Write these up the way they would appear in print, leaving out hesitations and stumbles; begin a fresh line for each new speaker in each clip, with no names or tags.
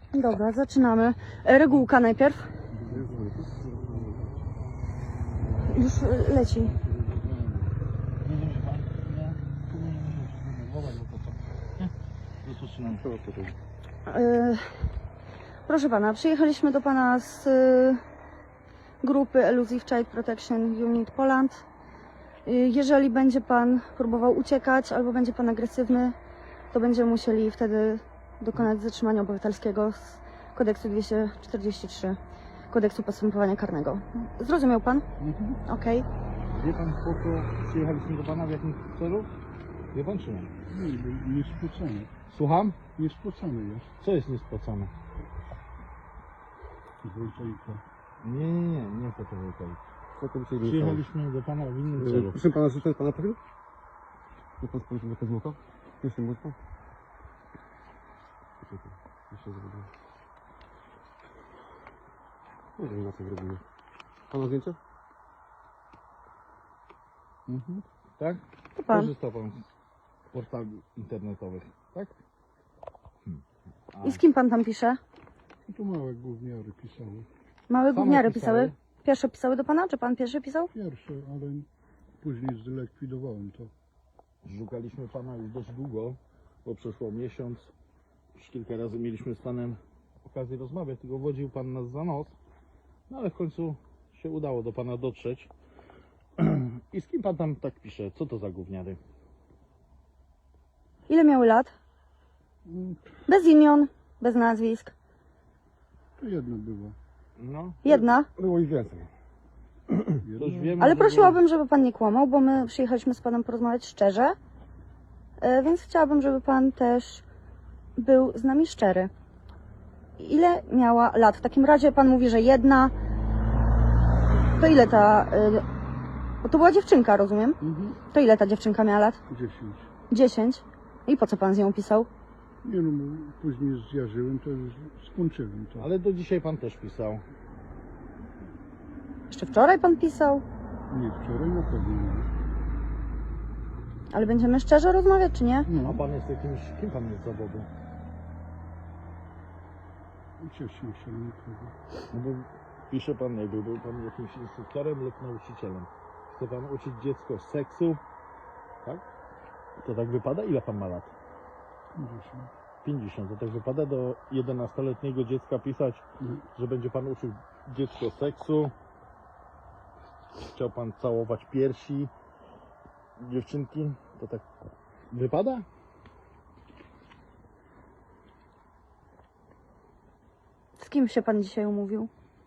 Dobra, zaczynamy. Regułka najpierw. Już leci. Proszę pana, przyjechaliśmy do pana z grupy Elusive Child Protection Unit Poland. Jeżeli będzie pan próbował uciekać albo będzie pan agresywny, to będziemy musieli wtedy dokonać zatrzymania obywatelskiego z kodeksu 243, kodeksu postępowania karnego. Zrozumiał pan? Okej.
Wie pan, po co przyjechaliśmy do pana, w jakim celu? Wie pan czy nie?
Nie spocony.
Słucham?
Nie spocony jest.
Co jest niespłacone?
Wojciechka.
Nie fotowoltaik. Przyjechaliśmy do pana w innym celu.
Proszę pana, życzę pana profil? Nie pan spojrzy na Kozmuka? Jeszcze mocno? Jeszcze zrobię. Nie wiem na co zrobimy. Pana zdjęcie?
Tak?
To pan.
Korzystał pan z portali internetowych, tak?
I z kim pan tam pisze?
Tu małe gówniary pisały.
Małe
Same
gówniary
pisały?
pisały? Pierwsze pisały do pana? Czy pan pierwszy pisał?
Pierwsze, ale później zlikwidowałem to.
Szukaliśmy pana już dość długo, bo przeszło miesiąc. Już kilka razy mieliśmy z panem okazję rozmawiać, tylko wodził pan nas za nos. No ale w końcu się udało do pana dotrzeć. I z kim pan tam tak pisze? Co to za gówniary?
Ile miały lat? Bez imion, bez nazwisk.
To jedno było.
No,
Jedna.
Było ich więcej.
to już wiemy,
Ale
że
prosiłabym, żeby pan nie kłamał, bo my przyjechaliśmy z panem porozmawiać szczerze. Więc chciałabym, żeby pan też był z nami szczery. Ile miała lat? W takim razie pan mówi, że jedna. To ile ta... Bo to była dziewczynka, rozumiem? To ile ta dziewczynka miała lat?
10.
10. I po co pan z nią pisał?
Nie no, bo później zjarzyłem, to już skończyłem to.
Ale do dzisiaj pan też pisał.
Jeszcze wczoraj pan pisał?
Nie, wczoraj na pewno nie.
Ale będziemy szczerze rozmawiać, czy nie?
A pan jest jakimś... Kim pan jest z zawodu?
Uciecznik nikogo.
No bo pisze pan, jakby był pan jakimś instruktorem lub nauczycielem. Chce pan uczyć dziecko seksu, tak? To tak wypada? Ile pan ma lat?
50.
50. To tak wypada do 11-letniego dziecka pisać, że będzie pan uczył dziecko seksu. Chciał pan całować piersi dziewczynki. To tak wypada?
Z kim się pan dzisiaj umówił?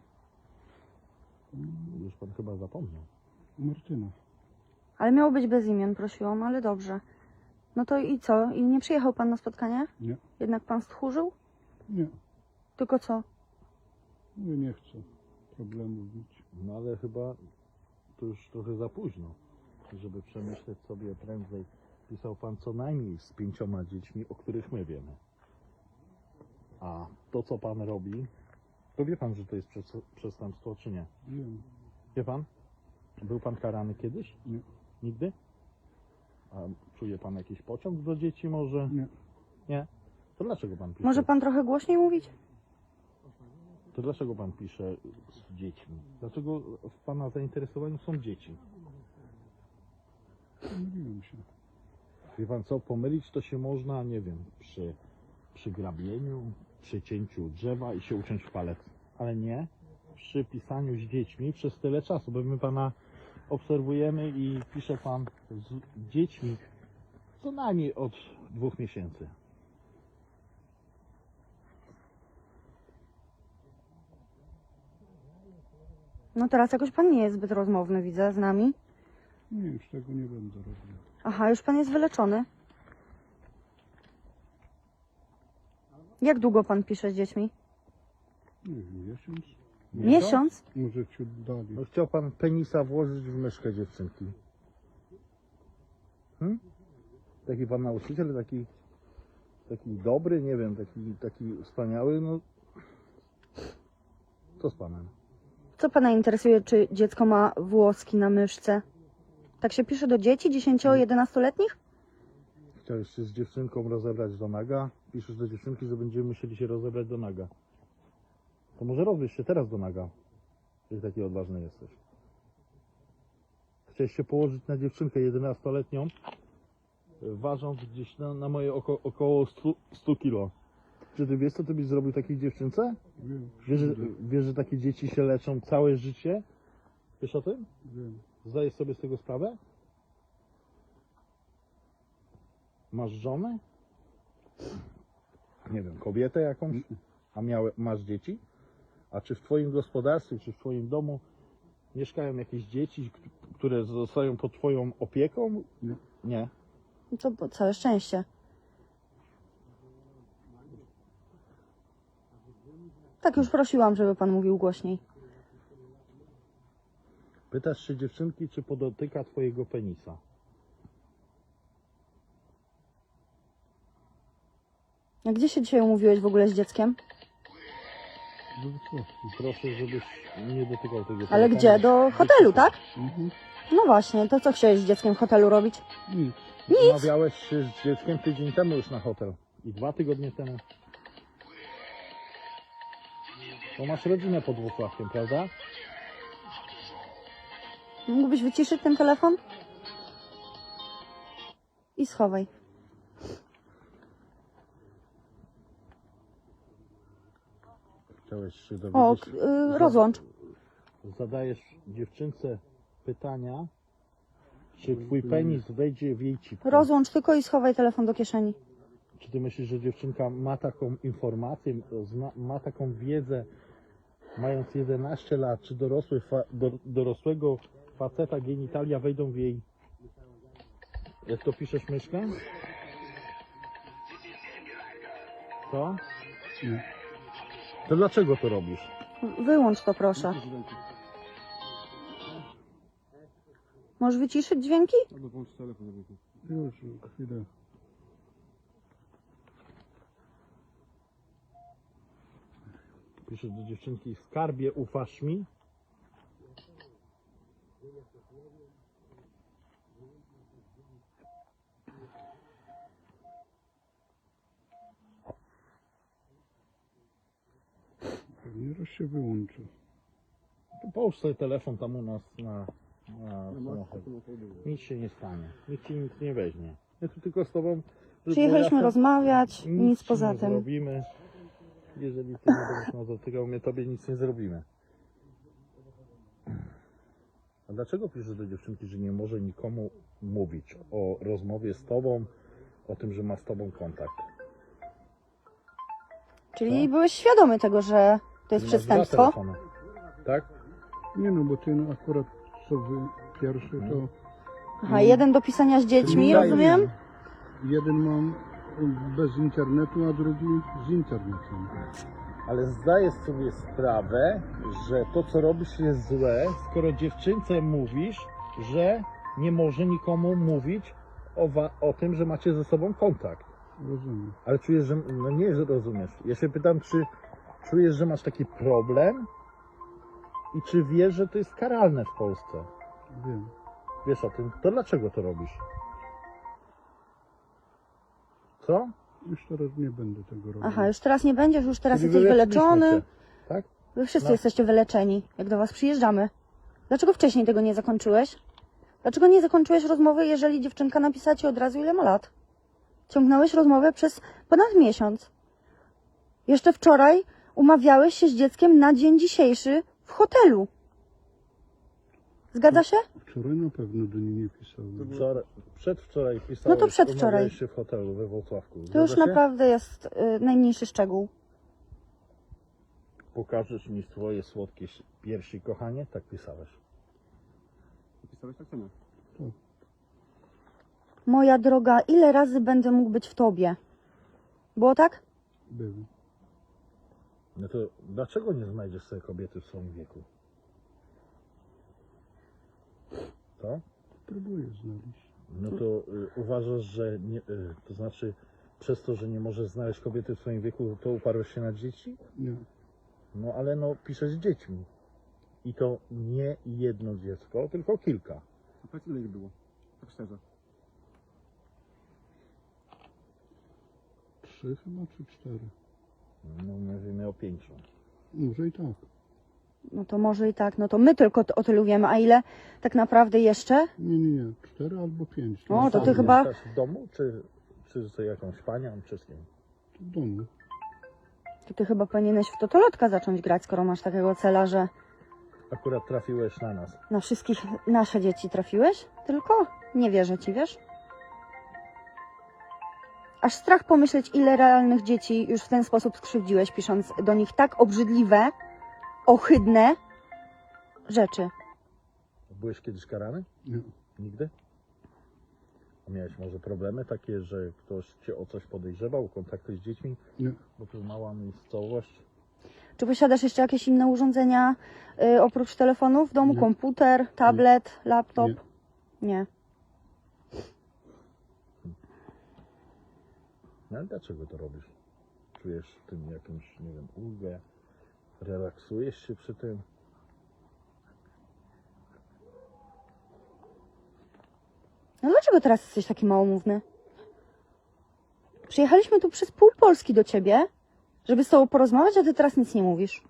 Już pan chyba zapomniał.
Martyna.
Ale miało być bez imion, prosiłam, ale dobrze. No to i co? I nie przyjechał pan na spotkanie?
Nie.
Jednak pan stchórzył?
Nie.
Tylko co?
Mówię, nie chcę problemów mieć.
No ale chyba to już trochę za późno, żeby przemyśleć sobie prędzej. Pisał pan co najmniej z 5 dziećmi, o których my wiemy. A to, co pan robi, to wie pan, że to jest przestępstwo, czy nie?
Wiem.
Wie pan? Był pan karany kiedyś?
Nie.
Nigdy? A czuje pan jakiś pociąg do dzieci może?
Nie.
Nie? To dlaczego pan pisze?
Może pan trochę głośniej mówić?
To dlaczego pan pisze z dziećmi? Dlaczego w pana zainteresowaniu są dzieci?
Pomyliłem się.
Wie pan co, pomylić to się można, nie wiem, przy grabieniu, przy cięciu drzewa i się uciąć w palec. Ale nie przy pisaniu z dziećmi przez tyle czasu, bo my pana obserwujemy i pisze pan z dziećmi co najmniej od 2 miesięcy.
No teraz jakoś pan nie jest zbyt rozmowny, widzę, z nami.
Nie, już tego nie będę robił.
Aha, już pan jest wyleczony. Jak długo pan pisze z dziećmi?
Nie wiem, miesiąc?
Miesiąc?
Może ciut dalej.
No chciał pan penisa włożyć w myszkę dziewczynki. Taki pan nauczyciel, taki dobry, nie wiem, taki wspaniały, no co z panem?
Co pana interesuje, czy dziecko ma włoski na myszce? Tak się pisze do dzieci 10-11-letnich?
Chciałeś się z dziewczynką rozebrać do naga. Piszesz do dziewczynki, że będziemy musieli się rozebrać do naga. To może rozbierz się teraz do naga, jak taki odważny jesteś. Chciałeś się położyć na dziewczynkę 11-letnią, ważąc gdzieś na moje około 100 kilo. Czy ty wiesz, co ty byś zrobił takiej dziewczynce?
Wiem.
Wiesz, że takie dzieci się leczą całe życie? Wiesz o tym?
Wiem.
Zdajesz sobie z tego sprawę? Masz żonę? Nie wiem, kobietę jakąś? A masz dzieci? A czy w twoim gospodarstwie, czy w twoim domu mieszkają jakieś dzieci, które zostają pod twoją opieką?
Nie.
Nie.
To całe szczęście. Tak już prosiłam, żeby pan mówił głośniej.
Pytasz się dziewczynki, czy podotyka twojego penisa.
A gdzie się dzisiaj umówiłeś w ogóle z dzieckiem?
Do Wrocławki.
Proszę, żebyś nie dotykał tego
Ale
penisa.
gdzie? Do hotelu, tak?
Mhm.
No właśnie, to co chciałeś z dzieckiem w hotelu robić?
Nic.
Umawiałeś się z dzieckiem tydzień temu już na hotel. I 2 tygodnie temu. Bo masz rodzinę pod Wrocławkiem, prawda?
Mógłbyś wyciszyć ten telefon? I schowaj.
Chciałeś się
O,
dowiedzieć.
rozłącz.
Zadajesz dziewczynce pytania, czy twój penis wejdzie w jej cipkę.
Rozłącz tylko i schowaj telefon do kieszeni.
Czy ty myślisz, że dziewczynka ma taką informację, ma taką wiedzę, mając 11 lat, czy dorosłego faceta genitalia wejdą w jej... Jak to piszesz, myszkę? Co?
Nie.
To dlaczego to robisz?
Wyłącz to, proszę. Możesz wyciszyć dźwięki?
Albo włącz telefon.
Już, chwilę.
Piszesz do dziewczynki, skarbie, ufasz mi?
Pewnie raz się wyłączy.
To połóż sobie telefon tam u nas na samochodzie. Nic się nie stanie. Nikt ci nic nie weźmie. Ja tu tylko z tobą... żeby było
Przyjechaliśmy
jasne,
rozmawiać, nic
ci
poza
nie
tym.
zrobimy. Jeżeli ty nie będziesz nas dotykał, my tobie nic nie zrobimy. A dlaczego piszesz do dziewczynki, że nie może nikomu mówić o rozmowie z tobą, o tym, że ma z tobą kontakt?
Czyli byłeś świadomy tego, że to jest
Masz 2
przestępstwo?
telefony, tak?
Nie no, bo ten akurat co wy pierwszy to
Aha, jeden do pisania z dziećmi,
Czyli
rozumiem?
jeden mam bez internetu, a drugi z internetem.
Ale zdajesz sobie sprawę, że to, co robisz, jest złe, skoro dziewczynce mówisz, że nie może nikomu mówić o tym, że macie ze sobą kontakt.
Rozumiem.
Ale czujesz, że... No nie, że rozumiesz. Ja się pytam, czy czujesz, że masz taki problem i czy wiesz, że to jest karalne w Polsce?
Wiem.
Wiesz o tym? To dlaczego to robisz? Co?
Już teraz nie będę tego robił.
Aha, już teraz nie będziesz, już teraz
Czyli
jesteś
wyleczyliśmy
wyleczony.
cię, tak?
Wy wszyscy
No.
jesteście wyleczeni, jak do was przyjeżdżamy. Dlaczego wcześniej tego nie zakończyłeś? Dlaczego nie zakończyłeś rozmowy, jeżeli dziewczynka napisała ci od razu, ile ma lat? Ciągnąłeś rozmowę przez ponad miesiąc. Jeszcze wczoraj umawiałeś się z dzieckiem na dzień dzisiejszy w hotelu. Zgadza się?
Wczoraj na pewno do niej nie pisałem.
Przedwczoraj pisałeś,
No to przedwczoraj.
umawiałeś się w hotelu we Wrocławku.
To już
Zgadza się?
naprawdę jest najmniejszy szczegół.
Pokażesz mi swoje słodkie piersi, kochanie? Tak pisałeś.
Pisałeś tak samo.
Moja droga, ile razy będę mógł być w tobie? Było tak?
Był.
No to dlaczego nie znajdziesz sobie kobiety w swoim wieku? Co?
Próbuję znaleźć.
No to uważasz, że nie, to znaczy przez to, że nie możesz znaleźć kobiety w swoim wieku, to uparłeś się na dzieci?
Nie.
No ale no piszesz z dziećmi. I to nie jedno dziecko, tylko kilka.
A powiedz, ile ich było? Tak szczerze.
3 chyba, czy 4.
No mówimy o 5.
Może i tak.
No to może i tak, no to my tylko o tylu wiemy, a ile tak naprawdę jeszcze?
Nie. 4 albo 5.
O, to ty
Sam
chyba-
mieszkasz w domu, czy z jakąś panią, czy z kim?
W domu.
To ty chyba powinieneś w totolotka zacząć grać, skoro masz takiego cela, że
Akurat trafiłeś na nas.
na wszystkich nasze dzieci trafiłeś? Tylko nie wierzę ci, wiesz? Aż strach pomyśleć, ile realnych dzieci już w ten sposób skrzywdziłeś, pisząc do nich tak obrzydliwe, ohydne rzeczy.
Byłeś kiedyś karany?
Nie.
Nigdy? A miałeś może problemy takie, że ktoś cię o coś podejrzewał, kontakty z dziećmi?
Nie.
Bo to mała miejscowość.
Czy posiadasz jeszcze jakieś inne urządzenia oprócz telefonu w domu?
Nie.
Komputer, tablet, laptop? Nie.
No ale dlaczego to robisz? Czujesz w tym jakąś, nie wiem, ulgę? Relaksujesz się przy tym?
No dlaczego teraz jesteś taki małomówny? Przyjechaliśmy tu przez pół Polski do ciebie, żeby z tobą porozmawiać, a ty teraz nic nie mówisz.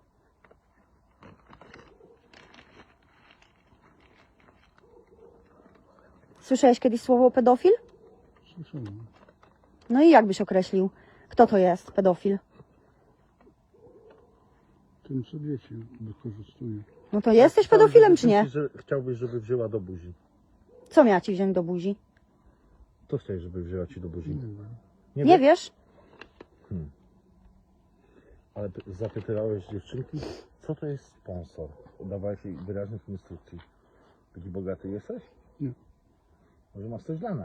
Słyszałeś kiedyś słowo pedofil?
Słyszałem.
No i jak byś określił, kto to jest pedofil?
Tym, co dzieci wykorzystuje.
No to jesteś pedofilem, czy nie?
Że chciałbyś, żeby wzięła do buzi.
Co miała ci wziąć do buzi?
Co chciałeś, żeby wzięła ci do buzi?
Nie wiem.
Nie wiesz?
Ale zapytałeś dziewczynki, co to jest sponsor? Dawałeś jej wyraźnych instrukcji. Taki bogaty jesteś?
Nie.
Może masz coś dla nas?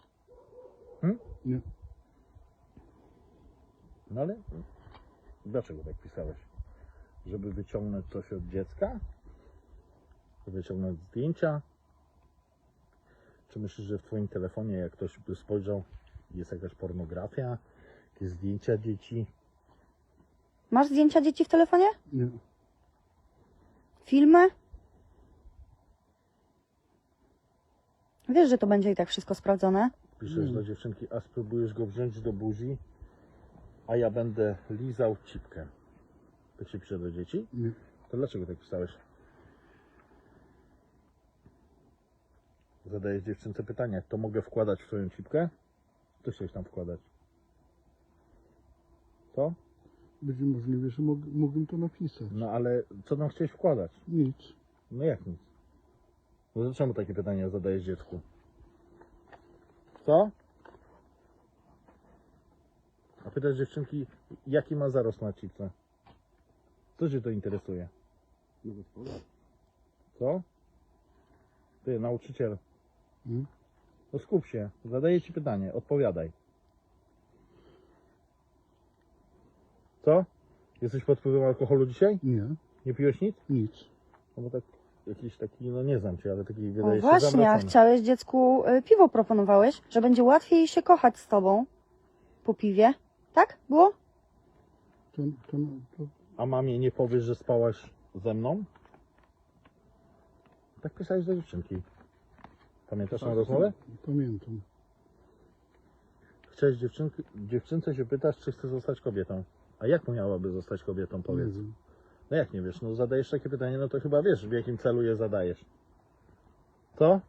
Nie.
No ale dlaczego tak pisałeś? Żeby wyciągnąć coś od dziecka? Wyciągnąć zdjęcia? Czy myślisz, że w twoim telefonie, jak ktoś by spojrzał, jest jakaś pornografia? Jakieś zdjęcia dzieci?
Masz zdjęcia dzieci w telefonie?
Nie.
Filmy? Wiesz, że to będzie i tak wszystko sprawdzone?
Piszesz do dziewczynki, a spróbujesz go wziąć do buzi, a ja będę lizał cipkę. Tak się pisze do dzieci?
Nie.
To dlaczego tak pisałeś? Zadajesz dziewczynce pytanie, to mogę wkładać w twoją cipkę? Co chciałeś tam wkładać? Co?
Będzie możliwe, że mógłbym to napisać.
No ale co tam chciałeś wkładać?
Nic.
No jak nic? No to czemu takie pytania zadajesz dziecku? Co? A pytasz dziewczynki, jaki ma zarost na cipce? Co cię to interesuje?
No gospodarz.
Co? Ty, nauczyciel.
Hmm?
No skup się, zadaję ci pytanie, odpowiadaj. Co? Jesteś pod wpływem alkoholu dzisiaj?
Nie.
Nie piłeś nic?
Nic.
No bo tak, jakiś taki, no nie znam cię, ale taki
O
wydaje się
właśnie, a
zawracany.
chciałeś dziecku piwo proponowałeś, że będzie łatwiej się kochać z tobą po piwie. Tak? Było?
To
A mamie nie powiesz, że spałaś ze mną? Tak pisałeś do dziewczynki. Pamiętasz tę rozmowę?
pamiętam.
Chciałeś dziewczynce się pytasz, czy chce zostać kobietą. A jak miałaby zostać kobietą,
Nie
powiedz?
wiem.
No jak nie wiesz? No zadajesz takie pytanie, no to chyba wiesz, w jakim celu je zadajesz. Co?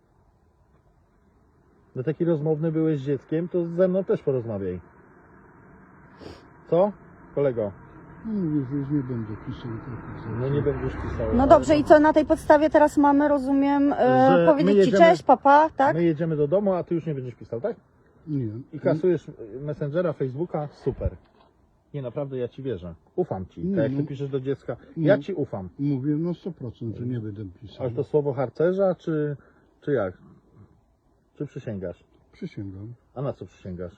No taki rozmowny byłeś z dzieckiem, to ze mną też porozmawiaj. Co? Kolego,
No mówię, że już nie będę pisał takich rzeczy.
no nie będziesz pisał.
No
ale
dobrze, i co na tej podstawie teraz mamy, rozumiem,
Że my
powiedzieć ci
jedziemy-
cześć, papa, tak?
My jedziemy do domu, a ty już nie będziesz pisał, tak?
Nie.
I kasujesz Messengera, Facebooka, super. Nie, naprawdę ja ci wierzę. Ufam ci.
Nie,
Tak jak
no.
ty piszesz do dziecka,
Nie.
ja ci ufam.
Mówię na 100%, że nie będę pisał.
Ale to słowo harcerza, czy jak? Czy przysięgasz?
Przysięgam.
A na co przysięgasz?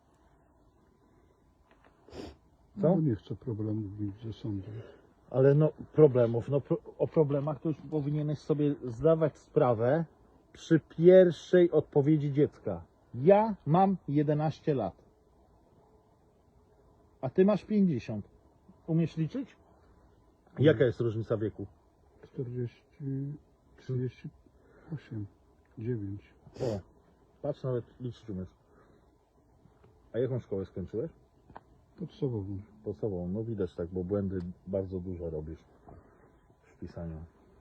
No
Co?
bo nie chcę problemów mieć ze sądem.
Ale no problemów, no o problemach to już powinieneś sobie zdawać sprawę przy pierwszej odpowiedzi dziecka. Ja mam 11 lat. A ty masz 50. Umiesz liczyć? Jaka jest różnica wieku?
40, 38, 9.
O, patrz, nawet liczyć umiesz. A jaką szkołę skończyłeś?
Podstawową.
Podstawową. No widać tak, bo błędy bardzo dużo robisz w pisaniu.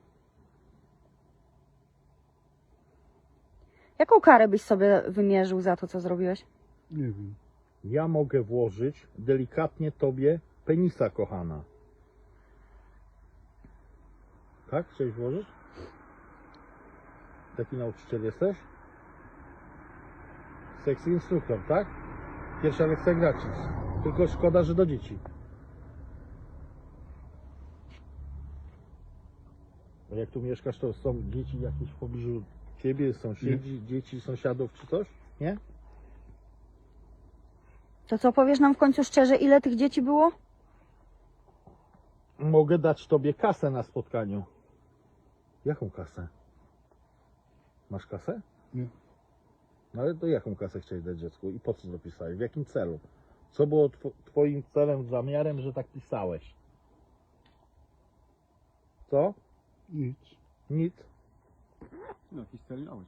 Jaką karę byś sobie wymierzył za to, co zrobiłeś?
Nie wiem.
Ja mogę włożyć delikatnie tobie penisa, kochana. Tak? Chciałeś włożyć? Taki nauczyciel jesteś? Sexy instruktor, tak? Pierwsza lekcja gratis. Tylko szkoda, że do dzieci. A jak tu mieszkasz, to są dzieci jakieś w pobliżu ciebie, sąsiedzi, dzieci, sąsiadów czy coś? Nie?
To co, powiesz nam w końcu szczerze, ile tych dzieci było?
Mogę dać tobie kasę na spotkaniu. Jaką kasę? Masz kasę?
Nie.
No ale to jaką kasę chciałeś dać dziecku i po co to pisałeś? W jakim celu? Co było twoim celem, zamiarem, że tak pisałeś? Co?
Nic.
Nic.
No, jakiś cel miałeś.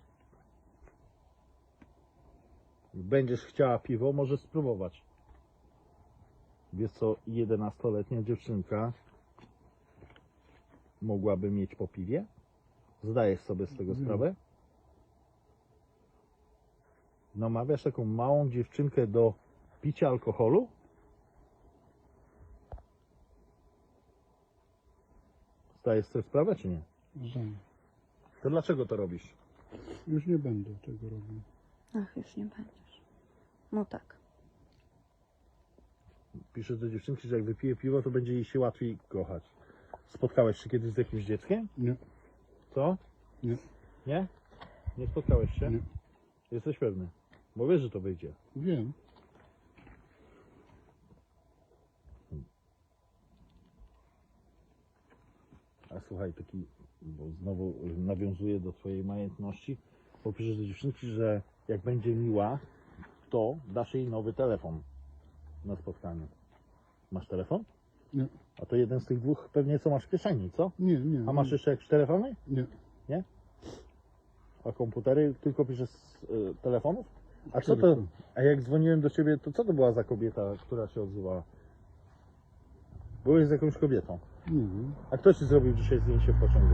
Będziesz chciała piwo, możesz spróbować. Wiesz co 11-letnia dziewczynka mogłaby mieć po piwie? Zdajesz sobie z tego sprawę? Namawiasz taką małą dziewczynkę do picia alkoholu? Zdajesz sobie sprawę, czy nie?
Zdaję.
To dlaczego to robisz?
Już nie będę tego robił.
Ach, już nie będziesz. No tak.
Piszesz do dziewczynki, że jak wypije piwo, to będzie jej się łatwiej kochać. Spotkałeś się kiedyś z jakimś dzieckiem?
Nie.
Co?
Nie.
Nie? Nie spotkałeś się?
Nie.
Jesteś pewny? Bo wiesz, że to wyjdzie.
Wiem.
A słuchaj, taki, bo znowu nawiązuję do twojej majętności, bo piszesz do dziewczynki, że jak będzie miła, to dasz jej nowy telefon na spotkaniu. Masz telefon?
Nie.
A to jeden z tych dwóch pewnie co masz w kieszeni, co?
Nie, nie.
A masz jeszcze jakieś telefony?
Nie.
Nie? A komputery tylko piszesz z telefonów? A co to?
Tylko.
A jak dzwoniłem do ciebie, to co to była za kobieta, która się odzywała? Byłeś z jakąś kobietą.
Nie wiem.
A kto ci zrobił dzisiaj zdjęcie w pociągu?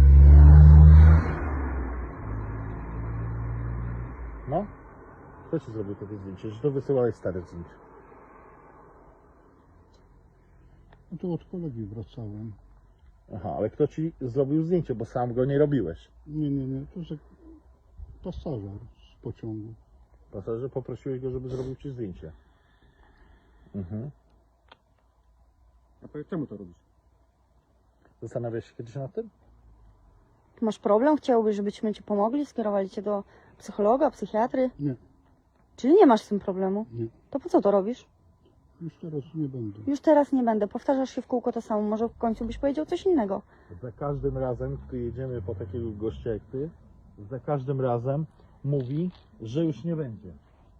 No? Kto ci zrobił takie zdjęcie? Że to wysyłałeś stare zdjęcie?
No to od kolegi wracałem.
Aha, ale kto ci zrobił zdjęcie, bo sam go nie robiłeś?
Nie, nie, nie. To jest pasażer z pociągu.
Pasażer, poprosiłeś go, żeby zrobił ci zdjęcie. Mhm.
A powiedz, czemu to robisz?
Zastanawiasz się kiedyś nad tym?
Masz problem? Chciałbyś, żebyśmy ci pomogli? Skierowali cię do psychologa, psychiatry?
Nie.
Czyli nie masz z tym problemu?
Nie.
To po co to robisz?
Już teraz nie będę.
Już teraz nie będę. Powtarzasz się w kółko to samo. Może w końcu byś powiedział coś innego.
Za każdym razem, gdy jedziemy po takiego gościa jak ty, za każdym razem mówi, że już nie będzie.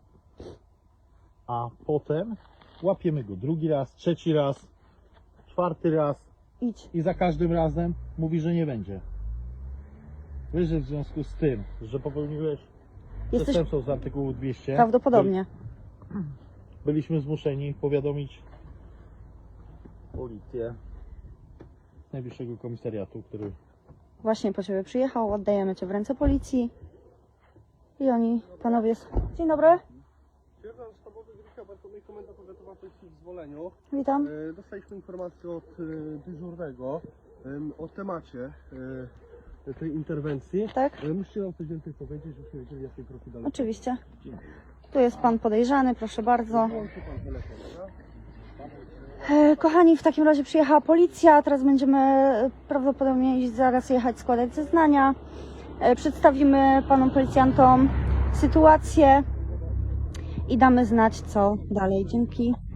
A potem łapiemy go drugi raz, trzeci raz, czwarty raz
Idź.
i za każdym razem mówi, że nie będzie. Wiesz, że w związku z tym, że popełniłeś
Jesteś
przestępstwo z artykułu 200,
prawdopodobnie.
byliśmy zmuszeni powiadomić policję z najbliższego komisariatu, który
Właśnie po ciebie przyjechał. Oddajemy cię w ręce policji. I oni, panowie... Dzień dobry.
Sierżant sztabowy Gryka Bartłomiej, Komenda Powiatowa Policji w Zwoleniu.
Witam.
Dostaliśmy informację od dyżurnego o temacie tej interwencji.
Tak?
Musicie nam coś więcej powiedzieć, żebyśmy wiedzieli, jakie kroki dalej.
Oczywiście. Tu jest pan podejrzany, proszę bardzo.
Włączy pan telefon, dobra?
Kochani, w takim razie przyjechała policja. Teraz będziemy prawdopodobnie zaraz jechać składać zeznania. Przedstawimy panom policjantom sytuację i damy znać, co dalej. Dzięki.